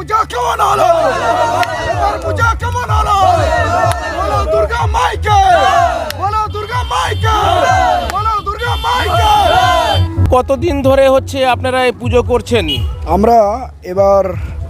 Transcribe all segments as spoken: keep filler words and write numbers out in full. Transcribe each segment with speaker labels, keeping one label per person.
Speaker 1: পূজা কেমন হলো? এবার পূজা কেমন হলো? বলো দুর্গা মাইকে, বলো দুর্গা মাইকে, বলো দুর্গা মাইকে।
Speaker 2: কতদিন ধরে হচ্ছে আপনারা এই পুজো করছেন?
Speaker 1: আমরা এবার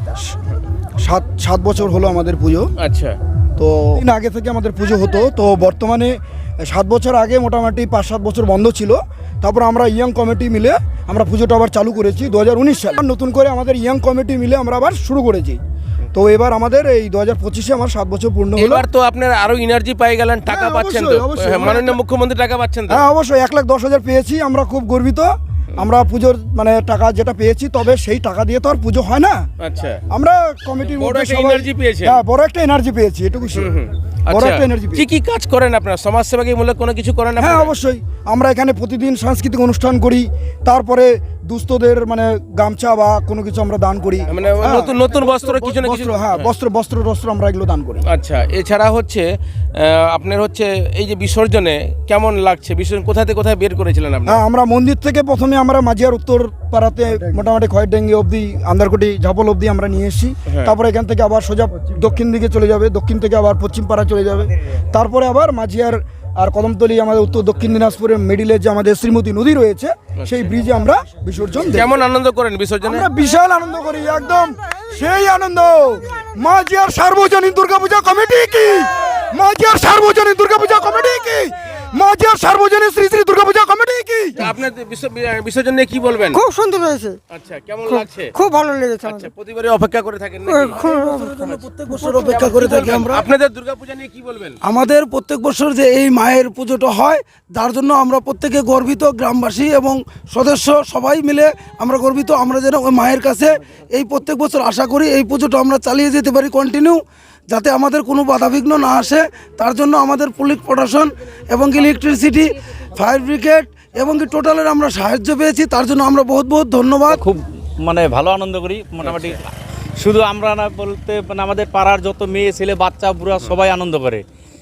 Speaker 1: সাত সাত বছর হলো আমাদের পুজো।
Speaker 2: আচ্ছা,
Speaker 1: তো দিন আগে থেকে আমাদের পুজো হতো, তো বর্তমানে সাত বছর আগে মোটামুটি পাঁচ সাত বছর বন্ধ ছিল। তারপর আমরা ইয়াং কমিটি মিলে আমরা পুজোটা আবার চালু করেছি দু হাজার উনিশ সালে। নতুন করে আমাদের ইয়াং কমিটি মিলে আমরা আবার শুরু করেছি। তো এবার আমাদের এই দু হাজার পঁচিশে আমার সাত বছর পূর্ণ হলো।
Speaker 2: এবার তো আপনারা আরো এনার্জি পাই গেলেন, টাকা
Speaker 1: হ্যাঁ,
Speaker 2: পাচ্ছেন তো?
Speaker 1: অবশ্যই, অবশ্যই।
Speaker 2: হ্যাঁ, মাননীয় মুখ্যমন্ত্রী টাকা পাচ্ছেন তো?
Speaker 1: হ্যাঁ অবশ্যই, এক লাখ দশ হাজার পেয়েছি, আমরা খুব গর্বিত। আমরা পুজোর মানে টাকা যেটা পেয়েছি, তবে সেই টাকা দিয়ে তো আর পুজো হয় না।
Speaker 2: আচ্ছা,
Speaker 1: আমরা কমিটির
Speaker 2: বড়
Speaker 1: মধ্যে
Speaker 2: একটা
Speaker 1: সবাই
Speaker 2: এনার্জি পেয়েছেন।
Speaker 1: হ্যাঁ বড় একটা এনার্জি পেয়েছি, এটুকু বড়
Speaker 2: আচ্ছা,
Speaker 1: একটা এনার্জি
Speaker 2: কি
Speaker 1: পেয়েছি।
Speaker 2: কি কাজ করেন আপনারা? সমাজ সেবামূলক কোনো কিছু করেন
Speaker 1: হ্যাঁ
Speaker 2: আপনারা?
Speaker 1: অবশ্যই, আমরা এখানে প্রতিদিন সাংস্কৃতিক অনুষ্ঠান করি, তারপরে দুস্থদের মানে গামছা বা কোনো কিছু আমরা দান করি।
Speaker 2: মানে
Speaker 1: হ্যাঁ,
Speaker 2: নতুন নতুন বস্ত্র কিছু না কিছু।
Speaker 1: বস্ত্র, হ্যাঁ বস্ত্র বস্ত্র টস্ত্র আমরা এগুলো দান করি।
Speaker 2: আচ্ছা, এছাড়া হচ্ছে আহ, আপনার হচ্ছে এই যে বিসর্জনে কেমন লাগছে? বিসর্জন কোথা থেকে কোথায় বের করেছিলেন আপনি?
Speaker 1: হ্যাঁ, আমরা মন্দির থেকে প্রথমে আমরা মাঝিয়ার উত্তর পাড়াতে মোটামুটি খয়েরডেঙ্গি অবধি, আন্দারকুটি ঝাপল অবধি আমরা নিয়ে এসেছি।
Speaker 2: হ্যাঁ।
Speaker 1: তারপরে এখান থেকে আবার সোজা দক্ষিণ দিকে চলে যাবে, দক্ষিণ থেকে আবার পশ্চিম পাড়া চলে যাবে। তারপরে আবার মাঝিয়ার আর কদমতলি আমাদের উত্তর দক্ষিণ দিনাজপুরের মিডিলে যে আমাদের শ্রীমতী নদী রয়েছে, সেই ব্রিজে আমরা বিসর্জন দিই।
Speaker 2: কেমন আনন্দ করেন বিসর্জনে?
Speaker 1: আমরা বিশাল আনন্দ করি, একদম সেই আনন্দ। মাঝিয়ার সার্বজনীন দুর্গাপূজা কমিটি কি, মাঝিয়ার সার্বজনীন দুর্গাপূজা কমিটি কি, মাঝিয়ার সার্বজনীন শ্রী শ্রী দুর্গাপূজা কমিটি কি।
Speaker 2: আপনার বিস- বিসর্জন নিয়ে কি বলবেন?
Speaker 3: খুব সুন্দর হয়েছে,
Speaker 2: আচ্ছা, কেমন
Speaker 3: খুব-
Speaker 2: লাগছে?
Speaker 3: খুব ভালো লেগেছে
Speaker 2: আচ্ছা,
Speaker 3: আমাদের।
Speaker 2: প্রতিবারই অপেক্ষা করে থাকেন নাকি?
Speaker 3: খুব-
Speaker 4: প্রত্যেক বছর অপেক্ষা করে থাকি আমরা।
Speaker 2: আপনাদের দুর্গাপূজা নিয়ে কি বলবেন?
Speaker 4: আমাদের প্রত্যেক বছর যে এই মায়ের পুজোটা হয়, তার জন্য আমরা প্রত্যেকে গর্বিত, গ্রামবাসী এবং সদস্য সবাই মিলে আমরা গর্বিত। আমরা যেন ওই মায়ের কাছে এই প্রত্যেক বছর আশা করি এই পুজোটা আমরা চালিয়ে যেতে পারি কন্টিনিউ, যাতে আমাদের কোনো বাধাবিঘ্ন না আসে। তার জন্য আমাদের পুলিশ প্রশাসন এবং ইলেকট্রিসিটি, ফায়ার ব্রিগেড এবং কি টোটালের আমরা সাহায্য পেয়েছি, তার জন্য আমরা বহুত বহুত ধন্যবাদ।
Speaker 5: খুব মানে ভালো আনন্দ করি মোটামুটি। শুধু আমরা না বলতে মানে আমাদের পাড়ার যত মেয়ে ছেলে বাচ্চা বুড়া সবাই আনন্দ করে।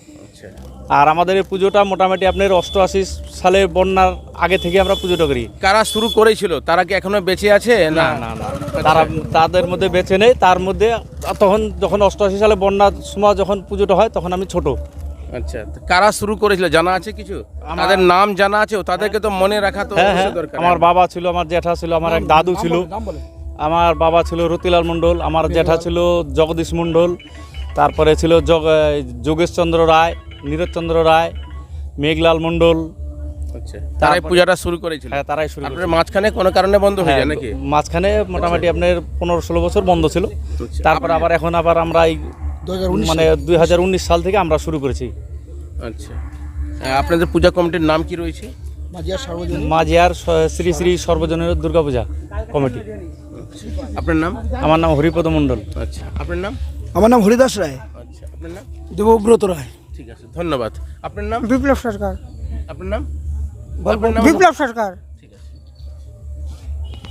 Speaker 5: আর আমাদের এই পুজোটা মোটামুটি আপনার অষ্টআশি সালে বন্যার আগে থেকে আমরা পুজোটা করি।
Speaker 2: কারা শুরু করেছিল তারা কি এখনো বেঁচে আছে?
Speaker 5: না না না, তারা তাদের মধ্যে বেঁচে নেই। তার মধ্যে তখন যখন অষ্টআশি সালে বন্যার সময় যখন পুজোটা হয় তখন আমি ছোট।
Speaker 2: আচ্ছা, তো কারা শুরু করেছিল জানা আছে কিছু? তাদের নাম জানা আছে? তাদেরকে তো মনে রাখা তো
Speaker 5: হ্যাঁ হ্যাঁ,
Speaker 2: অবশ্যই দরকার।
Speaker 5: আমার বাবা ছিল, আমার জ্যাঠা ছিল, আমার এক দাদু ছিল। আমার বাবা ছিল রতিলাল মণ্ডল, আমার জ্যাঠা ছিল জগদীশ মণ্ডল, তারপরে ছিল জগ যোগেশচন্দ্র রায়, নীরজচন্দ্র রায়, মেঘলাল মণ্ডল।
Speaker 2: আচ্ছা, তারাই পূজাটা শুরু করেছিল।
Speaker 5: হ্যাঁ, তারাই শুরু
Speaker 2: আপনার মাঝখানে কোনো কারণে বন্ধ হয়ে যায় নাকি?
Speaker 5: মাঝখানে মোটামুটি আপনার পনেরো ষোলো বছর বন্ধ ছিল। তারপর আবার এখন আবার আমরা এই মানে দুই হাজার উনিশ সাল থেকে আমরা শুরু করেছি।
Speaker 2: আচ্ছা, আহ, আপনাদের পূজা কমিটির নাম কি রয়েছে?
Speaker 1: মাঝিয়ার সার্বজনীন
Speaker 5: মাঝিয়ার স- শ্রী শ্রী সর্বজনীন দুর্গাপূজা কমিটি।
Speaker 2: আপনার নাম?
Speaker 5: আমার নাম হরিপদ মণ্ডল।
Speaker 2: আচ্ছা, আপনার নাম?
Speaker 1: আমার নাম হরিদাস রায়।
Speaker 2: আচ্ছা, আপনার নাম?
Speaker 4: দেবব্রত রায়।
Speaker 2: ঠিক আছে, ধন্যবাদ। আপনার নাম?
Speaker 3: বিপ্লব সরকার,
Speaker 2: আপনার নাম? আপনার নাম?
Speaker 3: বিপ্লব সরকার।